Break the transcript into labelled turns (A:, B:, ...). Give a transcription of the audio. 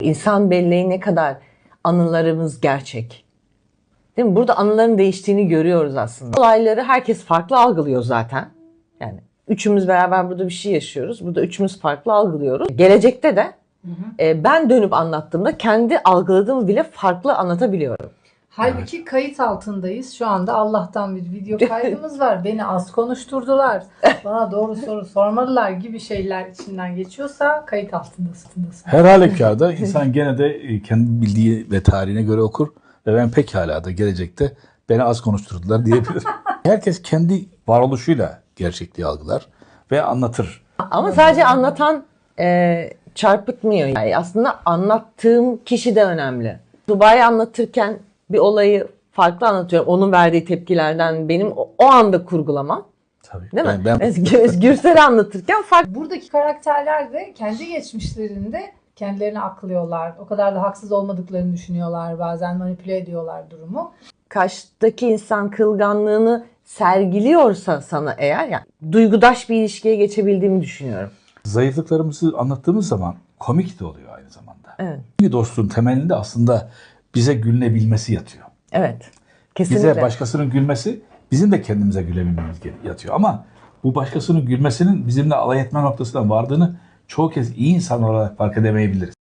A: İnsan belleği ne kadar anılarımız gerçek. Değil mi? Burada anıların değiştiğini görüyoruz aslında. Olayları herkes farklı algılıyor zaten. Yani üçümüz beraber burada bir şey yaşıyoruz. Burada üçümüz farklı algılıyoruz. Gelecekte de ben dönüp anlattığımda kendi algıladığımı bile farklı anlatabiliyorum.
B: Halbuki kayıt altındayız. Şu anda Allah'tan bir video kaydımız var. Beni az konuşturdular. Bana doğru soru sormadılar gibi şeyler içinden geçiyorsa kayıt altındasın.
C: Her halükarda insan gene de kendi bildiği ve tarihine göre okur ve ben pekala da gelecekte beni az konuşturdular diyebilirim. Herkes kendi varoluşuyla gerçekliği algılar ve anlatır.
A: Ama sadece anlatan çarpıtmıyor. Yani aslında anlattığım kişi de önemli. Dubai'yi anlatırken bir olayı farklı anlatıyorum. Onun verdiği tepkilerden benim o anda kurgulamam.
C: Tabii.
A: Değil mi? Gürsel'i anlatırken farklı.
B: Buradaki karakterler de kendi geçmişlerinde kendilerini aklıyorlar. O kadar da haksız olmadıklarını düşünüyorlar. Bazen manipüle ediyorlar durumu.
A: Karşıdaki insan kırılganlığını sergiliyorsa sana eğer, yani duygudaş bir ilişkiye geçebildiğimi düşünüyorum.
C: Zayıflıklarımızı anlattığımız zaman komik de oluyor aynı zamanda.
A: Evet.
C: Bir dostluğun temelinde aslında bize gülünebilmesi yatıyor.
A: Evet. Kesinlikle.
C: Bize başkasının gülmesi, bizim de kendimize gülebilmemiz yatıyor. Ama bu başkasının gülmesinin bizimle alay etme noktasına vardığını çoğu kez iyi insan olarak fark edemeyebiliriz.